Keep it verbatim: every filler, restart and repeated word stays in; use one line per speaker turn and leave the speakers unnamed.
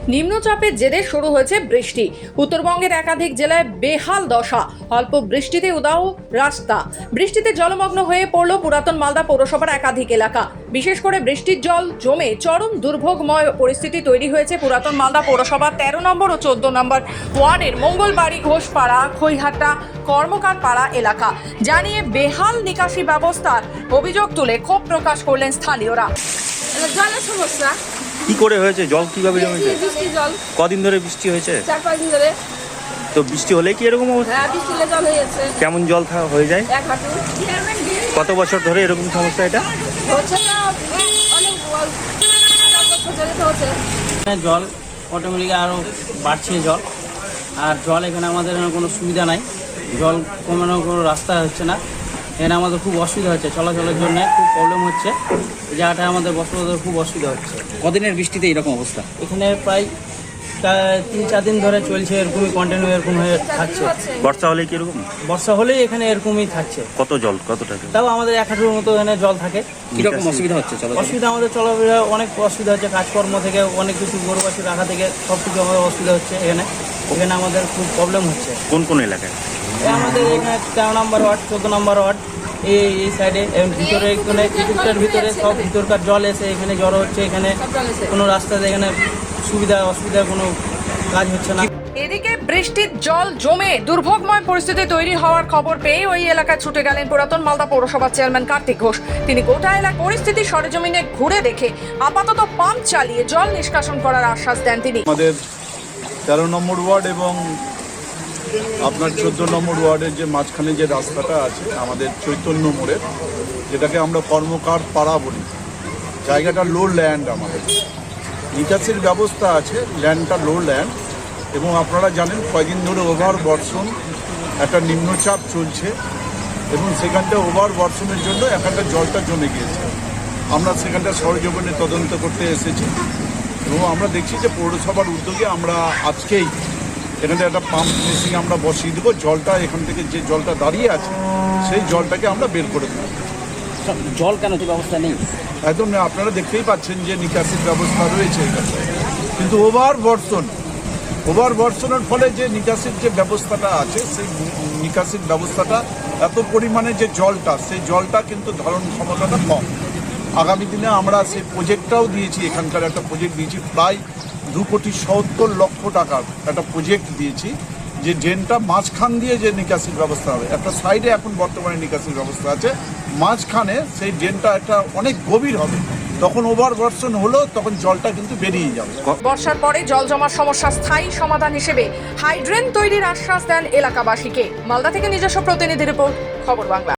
নিম্নচাপের জেরে শুরু হয়েছে বৃষ্টি। উত্তরবঙ্গের একাধিক জেলায় বেহাল দশা, অল্প বৃষ্টিতে উদাও রাস্তা। বৃষ্টিতে জলমগ্ন হয়ে পড়ল পুরাতন মালদা পৌরসভার একাধিক এলাকা। বিশেষ করে বৃষ্টির জল জমে চরম দুর্ভোগময় পরিস্থিতি তৈরি হয়েছে পুরাতন মালদা পৌরসভার তেরো নম্বর ও চোদ্দ নম্বর ওয়ার্ডের মঙ্গলবাড়ি, ঘোষপাড়া, খৈহাটা, কর্মকার পাড়া এলাকা। জানিয়ে বেহাল নিকাশি ব্যবস্থার অভিযোগ তুলে ক্ষোভ প্রকাশ করলেন স্থানীয়রা।
জলের সমস্যা।
কি করে হয়েছে? জল কিভাবে জমেছে?
বৃষ্টি জল
কদিন ধরে বৃষ্টি হয়েছে?
চার পাঁচ দিন ধরে।
তো বৃষ্টি হলে কি এরকম অবস্থা?
হ্যাঁ, বৃষ্টিতে জল হয়ে যাচ্ছে
কেমন জল থা- হয়ে যায়?
এক হাঁটু।
কত বছর ধরে এরকম সমস্যা এটা?
হচ্ছে না অনেক বল- চার বছর ধরে তো হচ্ছে।
এখানে জল অটোমেটিক আরও বাড়ছে জল। আর জল এখানে আমাদের এখানে কোনো সুবিধা নাই, জল কমানোর কোনো রাস্তা হচ্ছে না। এখানে আমাদের খুব অসুবিধা হচ্ছে, চলাচলের জন্য খুব প্রবলেম হচ্ছে। এই জায়গাটা আমাদের বসবাসের খুব অসুবিধা হচ্ছে।
কদিনের বৃষ্টিতে এরকম অবস্থা?
এখানে প্রায় তা- তিন চার দিন ধরে চলছে, এরকমই কন্টিনিউ এরকম হয়ে থাকছে।
বর্ষা হলে কি এরকম?
বর্ষা হলেই এখানে এরকমই থাকছে।
কত জল? কতটা জল?
তাও আমাদের এক হাঁটুর মতো এখানে জল থাকে।
কিরকম অসুবিধা হচ্ছে? চলো
অসুবিধা আমাদের চলাফেরা অনেক অসুবিধা হচ্ছে, কাজকর্ম থেকে অনেক কিছু গরু বাছুর রাখা থেকে সব কিছু আমাদের অসুবিধা হচ্ছে। এখানে এখানে আমাদের খুব প্রবলেম হচ্ছে।
কোন কোন এলাকায়?
এই আমাদের এখানে তেরো নম্বর ওয়ার্ড, চোদ্দ নম্বর ওয়ার্ড, এই এই সাইডে এবং ভিতরে এখানে কিছুটার ভিতরে সব ভিতরকার জল এসে এখানে জড়ো হচ্ছে। এখানে কোনো রাস্তাতে এখানে সুবিধা অসুবিধা কোনো কাজ হচ্ছে না।
এদিকে বৃষ্টির জল জমে দুর্ভোগময় পরিস্থিতি তৈরি হওয়ার খবর পেয়ে ওই এলাকায় ছুটে গেলেন পুরাতন মালদা পৌরসভার চেয়ারম্যান কার্তিক ঘোষ। তিনি গোটা এলাকার পরিস্থিতি সরেজমিনে ঘুরে দেখে আপাতত পাম্প চালিয়ে জল নিষ্কাশন করার আশ্বাস দেন তিনি।
আমাদের তেরো নম্বর ওয়ার্ড এবং আপনার চোদ্দ নম্বর ওয়ার্ডের যে মাঝখানে যে রাস্তাটা আছে আমাদের চৈতন্য মোড়ের, যেটাকে আমরা কর্মকার পাড়া বলি, জায়গাটা লো ল্যান্ড। আমাদের নিকাশির ব্যবস্থা আছে, ল্যান্ডটা লো ল্যান্ড। এবং আপনারা জানেন কয়েকদিন ধরে ওভার বর্ষণ, একটা নিম্নচাপ চলছে এবং সেখানটা ওভার বর্ষণের জন্য এখানটা জলটা জমে গিয়েছে। আমরা সেখানটা সরজমিনে তদন্ত করতে এসেছি এবং আমরা দেখছি যে পৌরসভার উদ্যোগে আমরা আজকেই এখানে একটা পাম্প মেশিন আমরা বসিয়ে দেবো। জলটা এখান থেকে যে জলটা দাঁড়িয়ে আছে সেই জলটাকে আমরা বের করে দেবো।
জল কেন যে ব্যবস্থা নেই?
একদম না, আপনারা দেখতেই পাচ্ছেন যে নিকাশির ব্যবস্থা রয়েছে এখানে, কিন্তু ওভার বর্ষণ ওভার বর্ষণের ফলে যে নিকাশির যে ব্যবস্থাটা আছে সেই নিকাশির ব্যবস্থাটা এত পরিমাণে যে জলটা, সেই জলটা কিন্তু ধারণ ক্ষমতাটা কম। আগামী দিনে আমরা সেই প্রজেক্টটাও দিয়েছি, এখানকার একটা প্রজেক্ট দিয়েছি প্রায় দু কোটি সত্তর লক্ষ টাকার একটা প্রজেক্ট দিয়েছি, যে ড্রেনটা মাঝখান দিয়ে যে নিকাশির ব্যবস্থা হবে। একটা সাইডে এখন বর্তমানে নিকাশির ব্যবস্থা আছে, মাঝখানে সেই ড্রেনটা একটা অনেক গভীর হবে। তখন ওভার বর্ষণ হলো তখন জলটা কিন্তু বেরিয়ে যাবে।
বর্ষার পরে জল জমার সমস্যা স্থায়ী সমাধান হিসেবে হাইড্রেন তৈরির আশ্বাস দেন এলাকাবাসীকে। মালদা থেকে নিজস্ব প্রতিনিধি রিপোর্ট, খবর বাংলা।